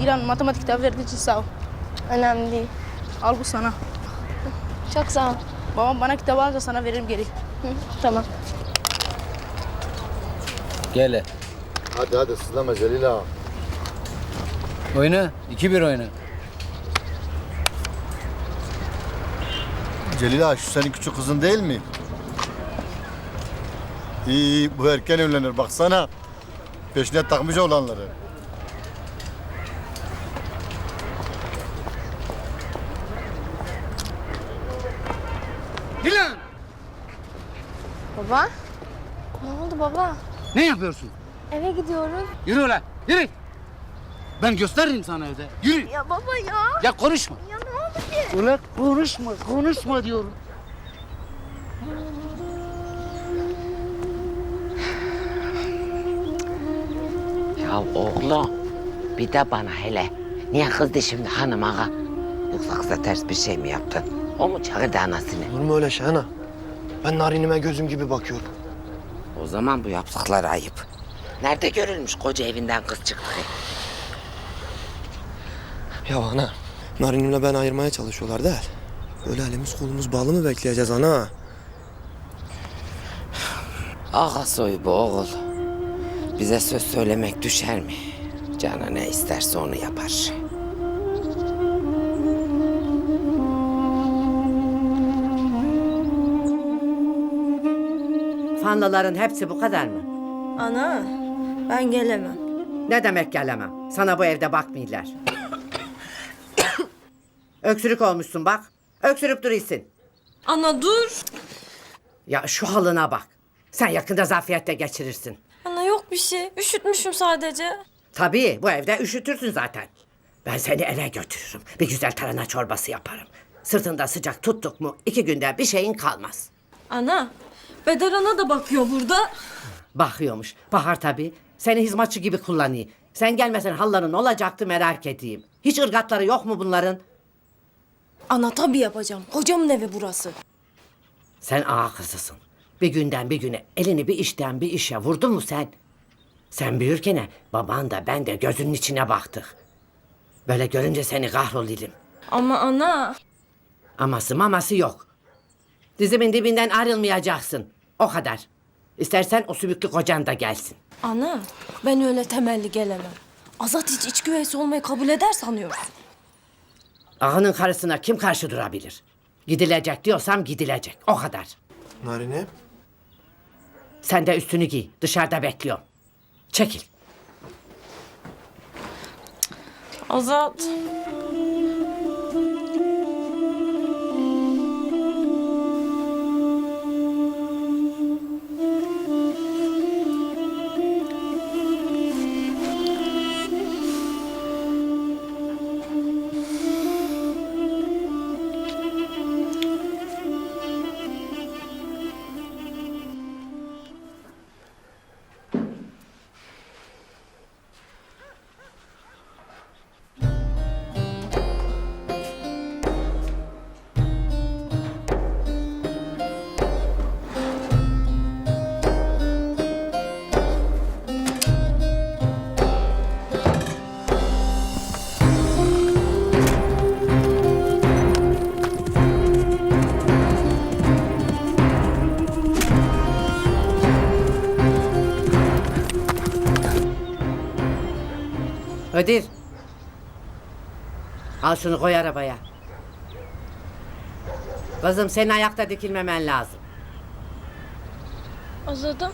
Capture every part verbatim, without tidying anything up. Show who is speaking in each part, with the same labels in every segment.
Speaker 1: İlan matematik kitabı verdiği için sağ ol.
Speaker 2: Önemli değil.
Speaker 1: Al bu sana.
Speaker 2: Çok sağ ol.
Speaker 1: Babam bana kitabı alınca sana veririm geri.
Speaker 2: Hı, tamam.
Speaker 3: Gel.
Speaker 4: Hadi hadi sızlama Celil ağa.
Speaker 3: Oyna. iki bir oyna.
Speaker 4: Celil ağa şu senin küçük kızın değil mi? İyi iyi bu erken evlenir baksana. Peşine takmış olanları.
Speaker 3: Dilan!
Speaker 2: Baba? Ne oldu baba?
Speaker 3: Ne yapıyorsun?
Speaker 2: Eve gidiyoruz.
Speaker 3: Yürü ulan. Yürü. Ben gösteririm sana evde. Yürü.
Speaker 2: Ya baba ya.
Speaker 3: Ya konuşma.
Speaker 2: Ya ne oldu ki?
Speaker 3: Ulan konuşma. Konuşma diyorum.
Speaker 5: Ya oğlum, bir de bana hele. Niye kızdı şimdi hanım ağa? Yoksa kıza ters bir şey mi yaptın? O mu çağırdı anasını?
Speaker 6: Olur mu öyle şey ana? Ben Narine'ime gözüm gibi bakıyorum.
Speaker 5: O zaman bu yaptıkları ayıp. Nerede görülmüş koca evinden kız çıktı?
Speaker 6: Ya ana, Narine'imle ben ayırmaya çalışıyorlar değil. Böyle elimiz kolumuz bağlı mı bekleyeceğiz ana?
Speaker 5: Ağa soyu bu oğul. Bize söz söylemek düşer mi? Canı ne isterse onu yapar.
Speaker 7: Fanlıların hepsi bu kadar mı?
Speaker 8: Ana, ben gelemem.
Speaker 7: Ne demek gelemem? Sana bu evde bakmıyorlar. Öksürük olmuşsun bak. Öksürüp duruyorsun.
Speaker 8: Ana dur.
Speaker 7: Ya şu halına bak. Sen yakında zafiyette geçirirsin.
Speaker 8: Ana yok bir şey. Üşütmüşüm sadece.
Speaker 7: Tabii bu evde üşütürsün zaten. Ben seni eve götürürüm. Bir güzel tarhana çorbası yaparım. Sırtında sıcak tuttuk mu iki günde bir şeyin kalmaz.
Speaker 8: Ana, Bedar ana da bakıyor burada.
Speaker 7: Bakıyormuş. Bahar tabii. Seni hizmetçi gibi kullanıyor. Sen gelmesen halların olacaktı merak edeyim. Hiç ırgatları yok mu bunların?
Speaker 8: Ana tabii yapacağım. Hocamın evi burası.
Speaker 7: Sen ağa kızısın. Bir günden bir güne elini bir işten bir işe vurdun mu sen? Sen büyürken baban da ben de gözünün içine baktık. Böyle görünce seni kahroluyordum.
Speaker 8: Ama ana.
Speaker 7: Aması maması yok. Dizimin dibinden ayrılmayacaksın. O kadar. İstersen o sümüklü kocan da gelsin.
Speaker 8: Ana, ben öyle temelli gelemem. Azat hiç iç güveysi olmayı kabul eder sanıyorsun.
Speaker 7: Ağanın karısına kim karşı durabilir? Gidilecek diyorsam gidilecek. O kadar.
Speaker 6: Narine?
Speaker 7: Sen de üstünü giy. Dışarıda bekliyorum. Çekil.
Speaker 8: Azat.
Speaker 7: Kadir. Al şunu koy arabaya. Kızım senin ayakta dikilmemen lazım.
Speaker 8: Azat'ım.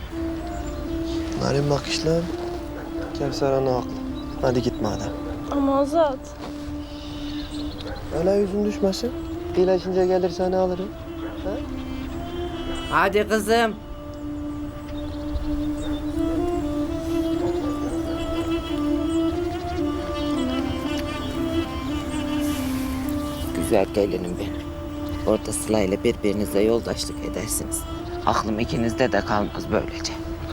Speaker 6: Narin bak işte. Kevser ana haklı. Hadi git madem.
Speaker 8: Ama Azat.
Speaker 6: Öyle yüzün düşmesin. İyileşince gelir seni alırım.
Speaker 7: Hadi kızım.
Speaker 5: Güzel gelinim benim. Orada Sıla ile birbirinize yoldaşlık edersiniz. Aklım ikinizde de kalmaz böylece.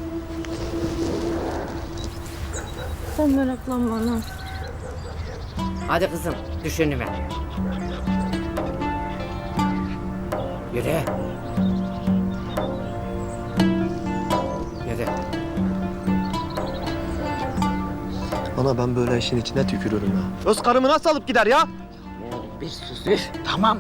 Speaker 8: Sen meraklanma ana.
Speaker 7: Hadi kızım düş önüme. Yürü. Yürü.
Speaker 6: Ana ben böyle işin içine tükürürüm ya. Öz karımı nasıl alıp gider ya?
Speaker 5: Oğlum bir sus üf. Tamam.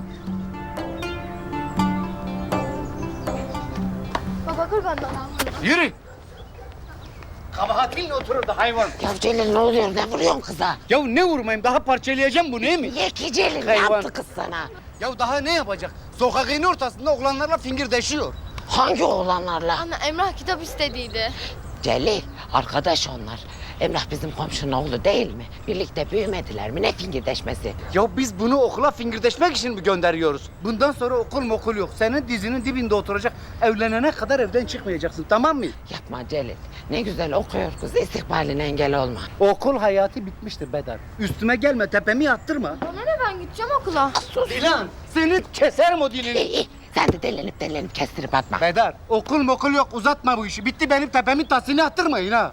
Speaker 2: Baba kurban olayım.
Speaker 3: Yürü. Kabahatinle otururdu hayvan.
Speaker 5: Ya Celil ne oluyor? Ne vuruyorsun kıza?
Speaker 3: Ya ne vurmayayım? Daha parçalayacağım bu değil mi?
Speaker 5: Niye ki Celil? Ne
Speaker 3: Hayvan.
Speaker 5: yaptı kız sana?
Speaker 3: Ya daha ne yapacak? Sokağın ortasında oğlanlarla fingirdeşiyor.
Speaker 5: Hangi oğlanlarla?
Speaker 2: Anne Emrah kitap istediydi.
Speaker 5: Celil, arkadaş onlar. Emrah bizim komşunun oğlu değil mi? Birlikte büyümediler mi? Ne fingirdeşmesi?
Speaker 3: Ya biz bunu okula fingirdeşmek için mi gönderiyoruz? Bundan sonra okul mokul yok. Senin dizinin dibinde oturacak. Evlenene kadar evden çıkmayacaksın, tamam mı?
Speaker 5: Yapma Celil. Ne güzel okuyor kız. İstikbaline engel olma.
Speaker 3: Okul hayatı bitmiştir Bedar. Üstüme gelme, tepemi yattırma.
Speaker 2: Bana ne, ben gideceğim okula.
Speaker 3: Dilan, seni keserim o dilini.
Speaker 5: İyi, iyi. Sen de delenip delenip kestirip atma.
Speaker 3: Bedar, okul mokul yok. Uzatma bu işi. Bitti, benim tepemin tasını attırmayın ha.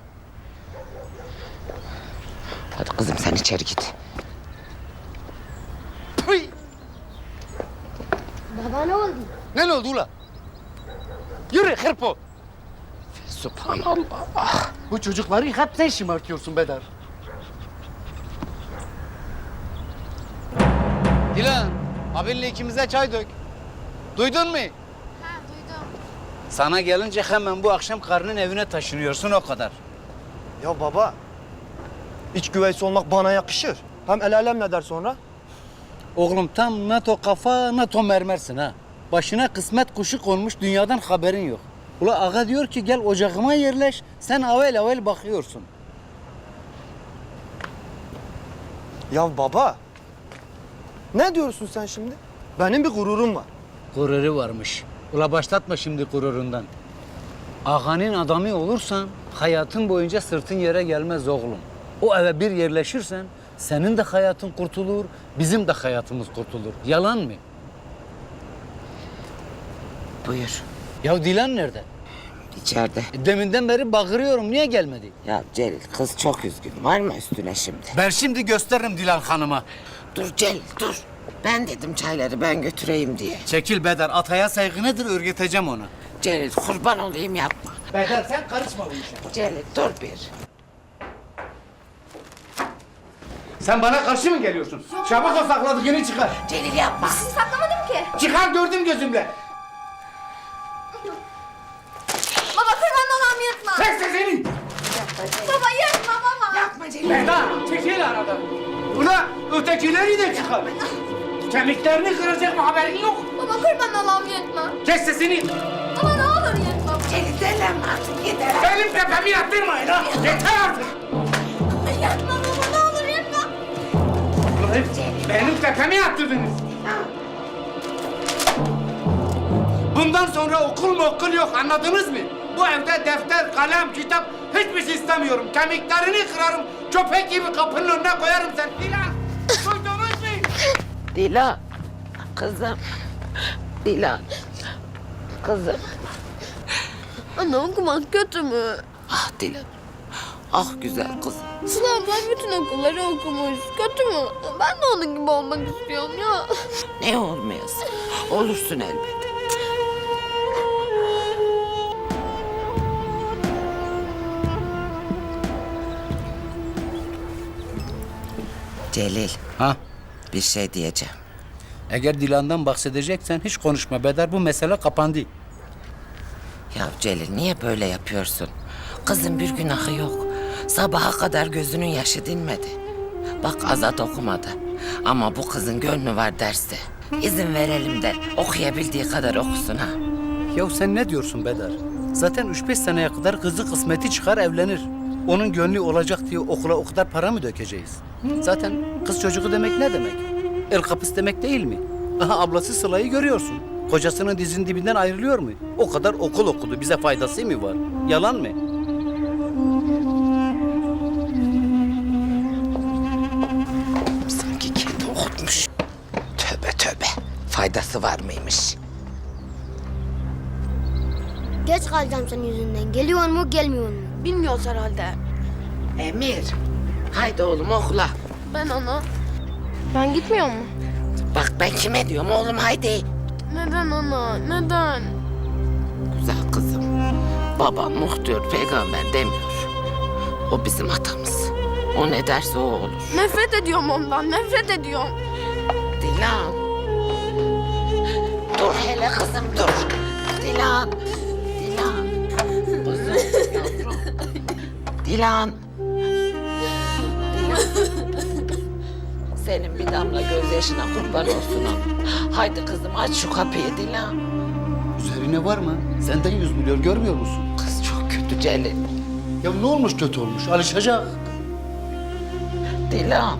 Speaker 5: Hadi kızım sen içeri git.
Speaker 3: Tüy!
Speaker 2: Baba ne oldu?
Speaker 3: Ne oldu ula? Yürü hırpo.
Speaker 5: Subhanallah.
Speaker 3: Bu çocukları hep sen şımartıyorsun Bedar. Dilan, abinle ikimize çay dök. Duydun mu?
Speaker 2: Ha duydum.
Speaker 3: Sana gelince hemen bu akşam karının evine taşınıyorsun, o kadar.
Speaker 6: Ya baba, iç güveysi olmak bana yakışır. Hem el alem ne der sonra?
Speaker 3: Oğlum tam NATO kafa, NATO mermersin ha. Başına kısmet kuşu konmuş, dünyadan haberin yok. Ula ağa diyor ki gel ocağıma yerleş, sen avel avel bakıyorsun.
Speaker 6: Ya baba, ne diyorsun sen şimdi? Benim bir gururum var.
Speaker 3: Gururu varmış. Ula başlatma şimdi gururundan. Ağanın adamı olursan hayatın boyunca sırtın yere gelmez oğlum. O eve bir yerleşirsen senin de hayatın kurtulur, bizim de hayatımız kurtulur. Yalan mı?
Speaker 5: Buyur.
Speaker 3: Ya Dilan nerede?
Speaker 5: İçeride.
Speaker 3: E, Deminden beri bağırıyorum, niye gelmedi?
Speaker 5: Ya Celil kız çok üzgün. Var mı üstüne şimdi?
Speaker 3: Ben şimdi gösteririm Dilan Hanım'a.
Speaker 5: Dur Celil dur. Ben dedim çayları ben götüreyim diye.
Speaker 3: Çekil Bedar, ataya saygı nedir örgüteceğim onu.
Speaker 5: Celil kurban olayım yapma.
Speaker 3: Bedar sen karışma bu işe.
Speaker 5: Celil dur bir.
Speaker 3: Sen bana karşı mı geliyorsun? Çabuk o sakladığını çıkar.
Speaker 5: Celil yapma.
Speaker 2: Saklamadım ki.
Speaker 3: Çıkar, gördüm gözümle.
Speaker 2: Baba kurban olayım yırtma.
Speaker 3: Çek sesini.
Speaker 2: Baba yırtma baba.
Speaker 5: Yapma Celil.
Speaker 3: Bedar çekil aradan. Ula ötekileri de çıkar. Kemiklerini kıracak mı, haberin yok?
Speaker 2: Baba kurban olayım yırtma.
Speaker 3: Kes sesini.
Speaker 2: Baba ne olur yırtma.
Speaker 5: Celil delenme artık yeter.
Speaker 3: Benim tepemi yattırmayın ha. Yeter artık.
Speaker 2: Yırtma baba ne olur yırtma.
Speaker 3: Ulan benim tepemi yattırdınız. Bundan sonra okul mu okul yok, anladınız mı? Bu evde defter, kalem, kitap hiçbir şey istemiyorum. Kemiklerini kırarım, köpek gibi kapının önüne koyarım sen. Dilan, duydunuz mu?
Speaker 5: Dilan. Kızım. Dilan. Kızım.
Speaker 2: Anne okumak kötü mü?
Speaker 5: Ah Dilan. Ah güzel kızım.
Speaker 2: Sıla ablam bütün okulları okumuş. Kötü mü? Ben de onun gibi olmak istiyorum ya.
Speaker 5: Ne olmayasın? Olursun elbet. Celil,
Speaker 3: Ha?
Speaker 5: bir şey diyeceğim.
Speaker 3: Eğer Dilan'dan bahsedeceksen hiç konuşma Bedar, bu mesele kapandı.
Speaker 5: Ya Celil niye böyle yapıyorsun? Kızın bir günahı yok. Sabaha kadar gözünün yaşı dinmedi. Bak Azat okumadı. Ama bu kızın gönlü var derste. İzin verelim de okuyabildiği kadar okusun ha.
Speaker 3: Ya sen ne diyorsun Bedar? Zaten üç beş seneye kadar kızı kısmeti çıkar evlenir. Onun gönlü olacak diye okula o kadar para mı dökeceğiz? Zaten kız çocuğu demek ne demek? El kapısı demek değil mi? Aha ablası Sıla'yı görüyorsun. Kocasının dizinin dibinden ayrılıyor mu? O kadar okul okudu. Bize faydası mı var? Yalan mı?
Speaker 5: Sanki kendi okutmuş. Tövbe tövbe. Faydası var mıymış?
Speaker 2: Geç kalacağım senin yüzünden. Geliyor mu gelmiyor mu? Bilmiyoruz herhalde.
Speaker 5: Emir. Haydi oğlum okula.
Speaker 2: Ben ana. Ben gitmiyor mu?
Speaker 5: Bak ben kime diyorum oğlum haydi.
Speaker 2: Neden ana? Neden?
Speaker 5: Güzel kızım. Baban muhtar, peygamber demiyor. O bizim atamız. O ne derse o olur.
Speaker 2: Nefret ediyorum ondan, nefret ediyorum.
Speaker 5: Dilan. Dur hele kızım dur. Dilan. Dilan. Kızım yavrum. Dilan. Dilan. Senin bir damla gözyaşına kurban olsun ama. Haydi kızım aç şu kapıyı Dilan.
Speaker 3: Üzerine var mı? Senden yüz biliyor, görmüyor musun?
Speaker 5: Kız çok kötü Celil.
Speaker 3: Ya ne olmuş kötü olmuş? Alışacak.
Speaker 5: Dilan.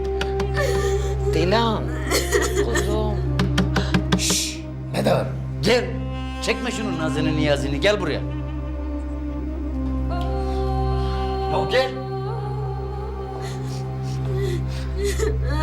Speaker 5: Dilan. Kuzum.
Speaker 3: Bedar. Gel. Çekme şunun nazını niyazını. Gel buraya. Ya gel.